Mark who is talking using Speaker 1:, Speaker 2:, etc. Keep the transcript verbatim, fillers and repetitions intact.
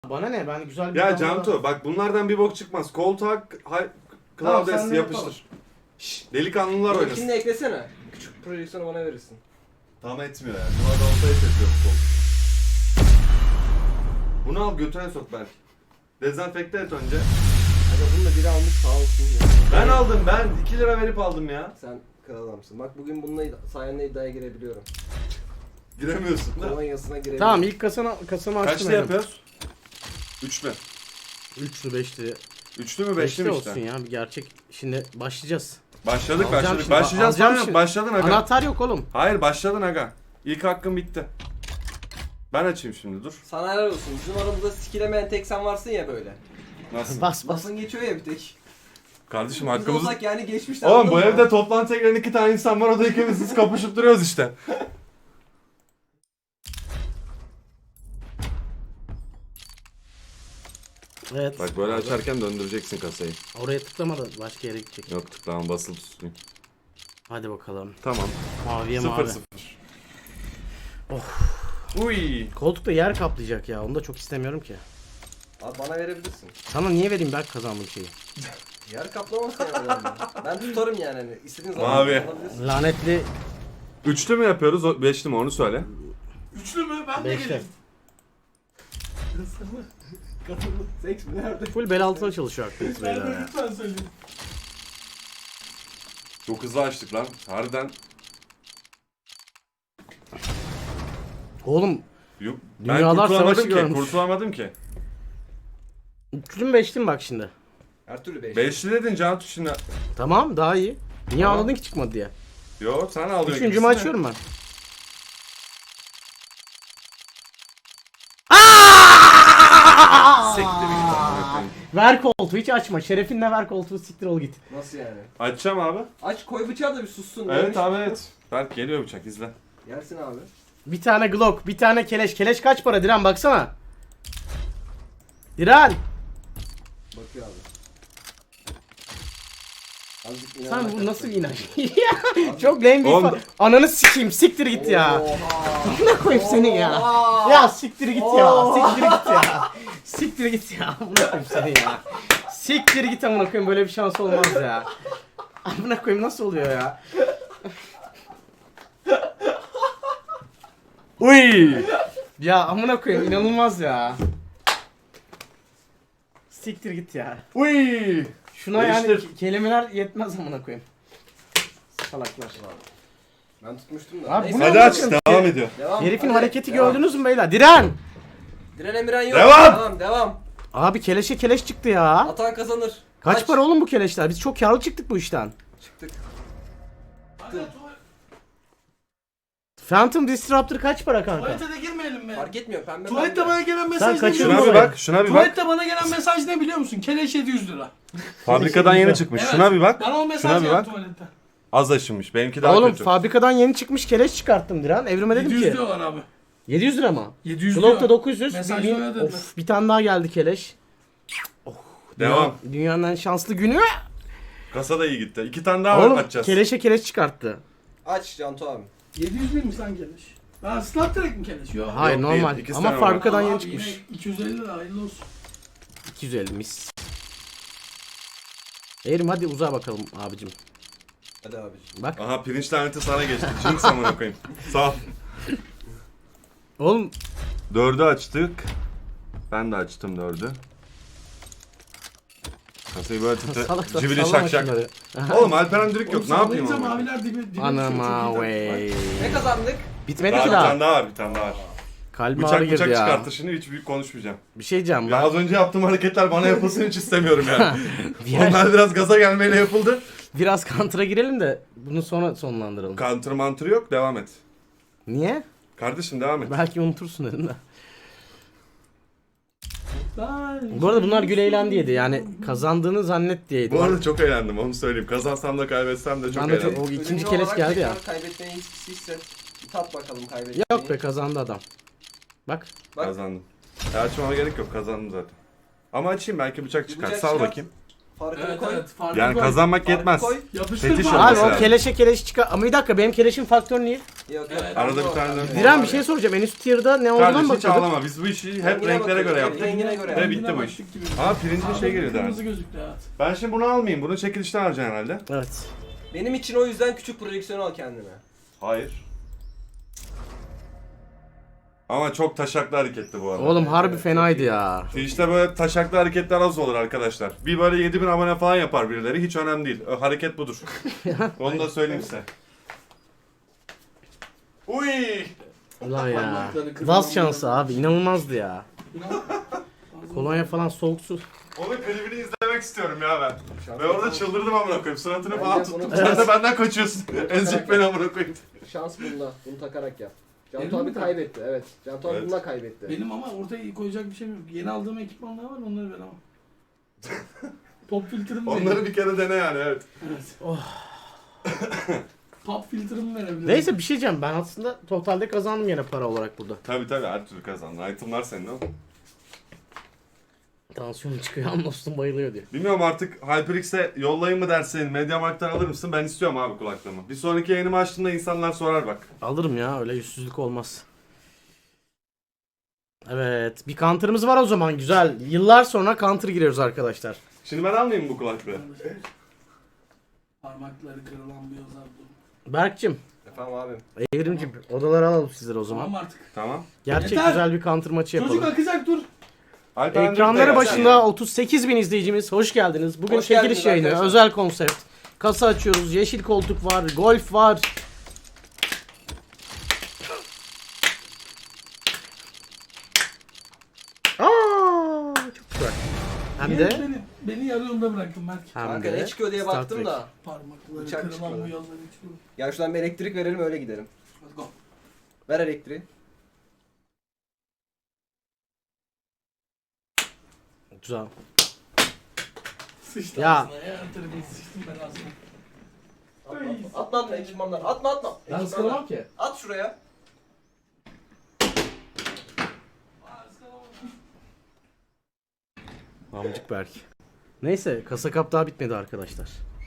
Speaker 1: Bana ne, ben güzel bir
Speaker 2: Ya
Speaker 1: damla-
Speaker 2: Cantu bak bunlardan bir bok çıkmaz. Koltuğa hay,
Speaker 1: Tamam,
Speaker 2: Claudes
Speaker 1: sen de
Speaker 2: yapıştır. Şşş, delikanlılar
Speaker 3: Benimkini
Speaker 2: oynasın.
Speaker 3: de eklesene. Küçük prodüksiyonu bana verirsin.
Speaker 2: Tam etmiyor yani. Buna da oltaya çekiyorum kol. Bunu al götüne sok belki. Dezenfekte et önce.
Speaker 3: Aga bunu da biri almış sağ olsun ya.
Speaker 2: Ben aldım ben. iki lira verip aldım ya.
Speaker 3: Sen kral adamsın. Bak bugün bununla sayende iddiaya girebiliyorum.
Speaker 2: Giremiyorsun da.
Speaker 3: Kolonyasına girebiliyorum.
Speaker 1: Tamam, ilk kasana, kasamı açtım.
Speaker 2: Kaçta
Speaker 1: hemen.
Speaker 2: yapıyoruz? Üç mü?
Speaker 1: Üçlü, beşli.
Speaker 2: Üçlü mü beşli
Speaker 1: Beşli
Speaker 2: mi
Speaker 1: olsun
Speaker 2: işte?
Speaker 1: ya, bir gerçek. Şimdi başlayacağız.
Speaker 2: Başladık
Speaker 1: Alacağım
Speaker 2: başladık.
Speaker 1: şimdi,
Speaker 2: Başlayacağız
Speaker 1: alacağım
Speaker 2: falan.
Speaker 1: şimdi.
Speaker 2: Başladın aga.
Speaker 1: Anahtar yok oğlum.
Speaker 2: Hayır başladın aga. İlk hakkın bitti. Ben açayım şimdi dur.
Speaker 3: Sana helal olsun. Bizim aramızda sikilemeyen tek sen varsın ya böyle.
Speaker 2: Nasıl?
Speaker 1: Bas bas.
Speaker 3: Basın geçiyor ya bir tek.
Speaker 2: Kardeşim
Speaker 3: Biz
Speaker 2: hakkımız...
Speaker 3: olsak yani geçmişler.
Speaker 2: Oğlum
Speaker 3: anladın
Speaker 2: bu
Speaker 3: mı?
Speaker 2: evde toplantı ekranı iki tane insan var. O da ikimiz siz kapışıp duruyoruz işte.
Speaker 1: Evet.
Speaker 2: Bak böyle açarken döndüreceksin kasayı.
Speaker 1: Oraya tıklama da başka yere gidecek.
Speaker 2: Yok tamam basılı tutayım.
Speaker 1: Hadi bakalım.
Speaker 2: Tamam.
Speaker 1: Maviye
Speaker 2: Sıfır
Speaker 1: mavi.
Speaker 2: sıfır.
Speaker 1: Oh.
Speaker 2: Uy.
Speaker 1: Koltukta yer kaplayacak ya. Onu da çok istemiyorum ki.
Speaker 3: Abi bana verebilirsin.
Speaker 1: Sana niye vereyim, ben kazandım şeyi.
Speaker 3: Yer kaplamasın ya adamı. Ben tutarım yani hani. İstediğin zaman
Speaker 2: Mavi.
Speaker 3: alabilirsin.
Speaker 1: Lanetli
Speaker 2: Üçlü mü yapıyoruz? o- Beşli mi onu söyle.
Speaker 4: Üçlü mü? Ben de
Speaker 1: beşli.
Speaker 4: geleyim.
Speaker 3: Kadınlı seks mi nerede?
Speaker 1: Full bel altına çalışıyor aklınız beyler
Speaker 4: Ben de
Speaker 1: ya.
Speaker 4: lütfen söyleyeyim.
Speaker 2: Çok hızlı açtık lan. Harbiden.
Speaker 1: Oğlum
Speaker 2: Yok. Ben
Speaker 1: Dünyalar
Speaker 2: kurtulamadım
Speaker 1: Savaşı
Speaker 2: ki.
Speaker 1: görmüş.
Speaker 2: Kurtulamadım ki.
Speaker 1: üçlü mü beşli mi bak şimdi.
Speaker 3: Her türlü beş.
Speaker 2: Beşli dedin Cantu şimdi.
Speaker 1: Tamam, daha iyi. Niye
Speaker 2: Tamam.
Speaker 1: ağladın ki çıkmadı diye.
Speaker 2: Yo sen alıyorsun.
Speaker 1: Üçüncümü
Speaker 2: ikisini.
Speaker 1: açıyorum ben.
Speaker 2: Sekte bir git amına koyayım.
Speaker 1: Ver koltuğu, hiç açma. Şerefinle ver koltuğu, siktir ol git.
Speaker 3: Nasıl yani?
Speaker 2: Açacağım abi.
Speaker 3: Aç koy bıçağı da bir sussun.
Speaker 2: Evet
Speaker 3: Neymiş?
Speaker 2: abi evet. Berk geliyor bıçak izle.
Speaker 3: Yersin abi.
Speaker 1: Bir tane Glock, bir tane keleş. Keleş kaç para Diren, baksana. Diren!
Speaker 3: Bakıyor abi. Azıcık
Speaker 1: Sen
Speaker 3: inanmak
Speaker 1: bu nasıl bir
Speaker 3: istedim.
Speaker 1: inanç? Çok lame bir
Speaker 2: Oğlum-
Speaker 1: fa- Ananı sikeyim, siktir git ya.
Speaker 3: Oha.
Speaker 1: Ne koyayım seni ya?
Speaker 3: Oha.
Speaker 1: Ya siktir git ya.
Speaker 3: Oo.
Speaker 1: Siktir git ya. Siktir git ya. Amına koyayım seni ya. Siktir git amına koyayım, böyle bir şans olmaz ya. Amına koyayım, nasıl oluyor ya?
Speaker 2: Uy.
Speaker 1: Ya amına koyayım, inanılmaz ya. Siktir git ya.
Speaker 2: Uy.
Speaker 1: Şuna yani
Speaker 2: Değiştir.
Speaker 1: ke- kelimeler yetmez amına koyayım. Salaklar.
Speaker 3: Ben tutmuştum da.
Speaker 1: Abi
Speaker 3: Neyse.
Speaker 1: bu ne
Speaker 2: Hadi aç
Speaker 1: bakın?
Speaker 2: devam ediyor.
Speaker 3: Devam.
Speaker 1: Herifin
Speaker 3: Hadi,
Speaker 1: hareketi
Speaker 3: devam.
Speaker 1: gördünüz mü beyler? Diren!
Speaker 3: Diren Emirhan yok.
Speaker 2: Devam.
Speaker 3: Devam devam.
Speaker 1: Abi keleşe keleş çıktı ya.
Speaker 3: Atan kazanır.
Speaker 1: Kaç
Speaker 3: Aç.
Speaker 1: para oğlum bu keleşler? Biz çok karlı çıktık bu işten.
Speaker 3: Çıktık.
Speaker 4: Hadi tuvalet-
Speaker 1: Phantom Disruptor kaç para kanka?
Speaker 4: tuvalete de girmeyelim mi?
Speaker 3: Fark etmiyor pembe
Speaker 4: Tuvalette
Speaker 3: pembe.
Speaker 4: bana gelen mesaj ne
Speaker 1: kaçırdın
Speaker 4: biliyor
Speaker 2: Şuna
Speaker 4: musun?
Speaker 2: bir bak, şuna bir bak.
Speaker 4: Tuvalette bana gelen mesaj ne biliyor musun? Keleş yedi yüz lira.
Speaker 2: Fabrikadan yeni çıkmış.
Speaker 4: Evet.
Speaker 2: Şuna bir bak.
Speaker 4: Bana o mesaj
Speaker 2: Şuna bir
Speaker 4: geldi
Speaker 2: bak.
Speaker 4: tuvalette.
Speaker 2: Az aşınmış. Benimki daha
Speaker 1: Oğlum
Speaker 2: kötü.
Speaker 1: fabrikadan yeni çıkmış keleş çıkarttım Diren. Evrime dedim
Speaker 4: yedi yüz
Speaker 1: ki.
Speaker 4: diyorlar abi.
Speaker 1: yedi yüz lira mı?
Speaker 4: yedi yüz
Speaker 1: Glock'ta
Speaker 4: diyor.
Speaker 1: dokuz yüz.
Speaker 4: Mesaj
Speaker 1: Bir, bin-
Speaker 4: öyle dediler.
Speaker 1: of, bir tane daha geldi keleş.
Speaker 2: Devam.
Speaker 1: Dünya- dünyanın en şanslı günü.
Speaker 2: Kasa da iyi gitti. İki tane daha
Speaker 1: Oğlum
Speaker 2: açacağız.
Speaker 1: keleşe keleş çıkarttı.
Speaker 3: Aç Cantu abi.
Speaker 4: yedi yüz bin mi sen keleş? Ha slap direkt mi keleş? Yok.
Speaker 1: Hayır
Speaker 2: Yok,
Speaker 1: normal.
Speaker 2: değil. İkisi
Speaker 1: Ama
Speaker 2: de normal.
Speaker 1: fabrikadan
Speaker 4: Abi
Speaker 1: yeni
Speaker 4: yine
Speaker 1: çıkmış.
Speaker 4: iki yüz elli lira hayırlı olsun.
Speaker 1: iki yüz elli mis. Erim hadi uzağa bakalım abicim.
Speaker 3: Hadi abiciğim.
Speaker 1: Bak.
Speaker 2: Aha pirinç laneti sana geçti. Jinx amına koyayım. Sağ ol.
Speaker 1: Oğlum
Speaker 2: Dördü açtık. Ben de açtım dördü. Kasayı böyle tute...
Speaker 1: salak salak
Speaker 2: Civili
Speaker 1: sallama
Speaker 2: şak şak.
Speaker 1: şunları.
Speaker 2: Oğlum Alperen Dürük yok.
Speaker 4: Oğlum
Speaker 2: Ne yapayım
Speaker 4: sallayınca
Speaker 2: ama?
Speaker 4: maviler dibi dibi.
Speaker 1: Anama
Speaker 4: düşüyor, çok iyi.
Speaker 1: wey.
Speaker 3: Ne kazandık?
Speaker 1: Bitmedi
Speaker 2: Daha
Speaker 1: ki
Speaker 2: bir
Speaker 1: daha.
Speaker 2: tane daha var, bir tane daha var.
Speaker 1: Kalbime ağrı
Speaker 2: Bıçak
Speaker 1: girdi
Speaker 2: bıçak
Speaker 1: ya.
Speaker 2: çıkartışını hiç büyük konuşmayacağım.
Speaker 1: Bir şey diyeceğim
Speaker 2: Ya
Speaker 1: ben.
Speaker 2: az önce yaptığım hareketler bana yapılsın hiç istemiyorum yani.
Speaker 1: Biraz,
Speaker 2: Onlar biraz gaza gelmeyle yapıldı.
Speaker 1: biraz kantıra girelim de bunu sonra sonlandıralım.
Speaker 2: Counter mantır yok, devam et.
Speaker 1: Niye?
Speaker 2: Kardeşim devam et.
Speaker 1: Belki unutursun dedim de.
Speaker 4: Vay,
Speaker 1: Bu arada bunlar gül eğlen diyeydi. Yani kazandığını zannet diyeydi.
Speaker 2: Bu arada çok eğlendim onu söyleyeyim. Kazansam da kaybetsem de çok
Speaker 1: Ben de çok,
Speaker 2: eğlendim.
Speaker 1: o ikinci
Speaker 3: Ödülü
Speaker 1: keleş
Speaker 3: olarak
Speaker 1: geldi ya.
Speaker 3: tekrar kaybetmeyi hisset. Bir tat bakalım kaybetmeyi.
Speaker 1: Yok be, kazandı adam. Bak.
Speaker 3: Bak.
Speaker 2: Kazandım. Ya açmama gerek yok, kazandım zaten. Ama açayım belki bıçak
Speaker 3: Bir
Speaker 2: çıkar.
Speaker 3: bıçak
Speaker 2: Sal
Speaker 3: çıkart.
Speaker 2: bakayım.
Speaker 3: Farkını
Speaker 4: Evet
Speaker 3: koy.
Speaker 4: evet. Farkı
Speaker 2: Yani
Speaker 4: koy.
Speaker 2: kazanmak
Speaker 3: Farkı
Speaker 2: yetmez.
Speaker 3: koy.
Speaker 4: Yapıştır
Speaker 2: Fetiş
Speaker 4: farkı.
Speaker 1: Abi
Speaker 2: olması
Speaker 1: o
Speaker 2: lazım.
Speaker 1: keleşe keleş çıkar. Ama bir dakika benim keleşin faktörü değil.
Speaker 3: Yok yok.
Speaker 4: Evet.
Speaker 2: Arada bir
Speaker 3: Yok.
Speaker 2: tane de-
Speaker 1: Diren bir şey soracağım. En üst tier'da ne olduğuna
Speaker 2: Kardeş
Speaker 1: mı
Speaker 2: hiç
Speaker 1: bakıyorduk?
Speaker 2: ağlama. Biz bu işi hep
Speaker 3: Rengine
Speaker 2: renklere
Speaker 3: bakıyoruz,
Speaker 2: göre
Speaker 3: renk-
Speaker 2: yaptık.
Speaker 3: rengine göre
Speaker 2: Ve
Speaker 3: yaptık.
Speaker 2: bitti bu iş.
Speaker 4: Baktık gibi.
Speaker 2: Aa pirinçli şey geliyor daha.
Speaker 4: Kırmızı gözüktü evet.
Speaker 2: Ben şimdi bunu almayayım. Bunu çekilişte harcayan herhalde.
Speaker 1: Evet.
Speaker 3: Benim için o yüzden küçük prodüksiyon al kendine.
Speaker 2: Hayır. Ama çok taşaklı hareketti bu arada.
Speaker 1: Oğlum harbi fenaydı ya.
Speaker 2: İşte böyle taşaklı hareketler az olur arkadaşlar. Bir böyle yedi bin abone falan yapar birileri. Hiç önemli değil. Ö, Hareket budur. Onu da söyleyeyim size. Uy!
Speaker 1: Ulan ya.
Speaker 4: Parmakları kırılan
Speaker 1: Vaz şansı
Speaker 4: bir-
Speaker 1: abi. İnanılmazdı ya. Kolonya falan soğuk su.
Speaker 2: Onun klibini izlemek istiyorum ya ben.
Speaker 3: Şans
Speaker 2: Ve orada
Speaker 3: bulma.
Speaker 2: çıldırdım amına koyayım. Suratını
Speaker 3: Bence
Speaker 2: falan tuttum.
Speaker 3: bunu-
Speaker 2: Sen de benden kaçıyorsun. Ezecek beni amına koyayım.
Speaker 3: Şans bunda. Bunu takarak yap.
Speaker 4: Benim
Speaker 3: Cantu abi
Speaker 4: mi?
Speaker 3: kaybetti. Evet. Cantu abi
Speaker 2: Evet.
Speaker 3: bununla kaybetti.
Speaker 4: Benim ama ortaya koyacak bir şeyim yok. Yeni aldığım ekipmanlar var onları veremem. Pop filtremi
Speaker 2: Onları bir kere dene yani evet.
Speaker 4: Evet. Pop filtremi verebilirim.
Speaker 1: Neyse bir şey diyeceğim. Ben aslında totalde kazandım yine para olarak burada.
Speaker 2: Tabi tabi her türlü kazandın. Itemlar senin o.
Speaker 1: Tansiyonum çıkıyor. Anlostum bayılıyor diyor.
Speaker 2: Bilmiyorum artık HyperX'e yollayayım mı dersin, Mediamarkt'tan alır mısın? Ben istiyorum abi kulaklığımı. Bir sonraki yayınımı açtığımda insanlar sorar bak.
Speaker 1: Alırım ya. Öyle yüzsüzlük olmaz. Evet. Bir counter'ımız var o zaman. Güzel. Yıllar sonra counter giriyoruz arkadaşlar.
Speaker 2: Şimdi ben almayayım mı bu kulaklığı?
Speaker 4: Parmakları kırılan bir yazar bu.
Speaker 1: Berk'cim.
Speaker 3: Efendim abim.
Speaker 1: Evrimcim. Odaları alalım sizlere o zaman.
Speaker 4: Tamam artık.
Speaker 2: Tamam.
Speaker 1: Gerçek
Speaker 4: Yeter.
Speaker 1: güzel bir counter maçı yapalım.
Speaker 4: Çocuk akacak dur.
Speaker 2: Alperen
Speaker 1: Ekranları
Speaker 2: de
Speaker 1: başında
Speaker 2: gelsin
Speaker 1: otuz sekiz bin izleyicimiz. Hoş geldiniz. Bugün
Speaker 3: Hoş
Speaker 1: çekiliş
Speaker 3: geldiniz
Speaker 1: yayını.
Speaker 3: arkadaşlar.
Speaker 1: Özel konsept. Kasa açıyoruz. Yeşil koltuk var. Golf var. Aa, çok güzel. Hem
Speaker 4: Niye
Speaker 1: de
Speaker 4: beni, beni yarı yolda bıraktın Berk.
Speaker 1: hem
Speaker 3: Kanka
Speaker 1: de
Speaker 3: ne çıkıyor diye
Speaker 1: Star
Speaker 3: baktım
Speaker 1: Trek.
Speaker 3: da.
Speaker 4: Parmakları
Speaker 3: Bıçak
Speaker 4: kırılan
Speaker 3: çıkmadı.
Speaker 4: bu yazar içiyor.
Speaker 3: Ya şuradan bir elektrik verelim öyle gidelim.
Speaker 4: Hadi go.
Speaker 3: Ver elektriği.
Speaker 1: Güzel.
Speaker 4: Sıçtı
Speaker 1: Ya.
Speaker 4: ağzına ya. Telefonu sıçtım ben ağzına.
Speaker 3: Atma atma, atma, atma ekipmanlar. Atma atma.
Speaker 1: Ben
Speaker 3: Ekipmanlar.
Speaker 1: ısıramam ki.
Speaker 3: At şuraya.
Speaker 1: Amcık Berk. Neyse kasa kap daha bitmedi arkadaşlar.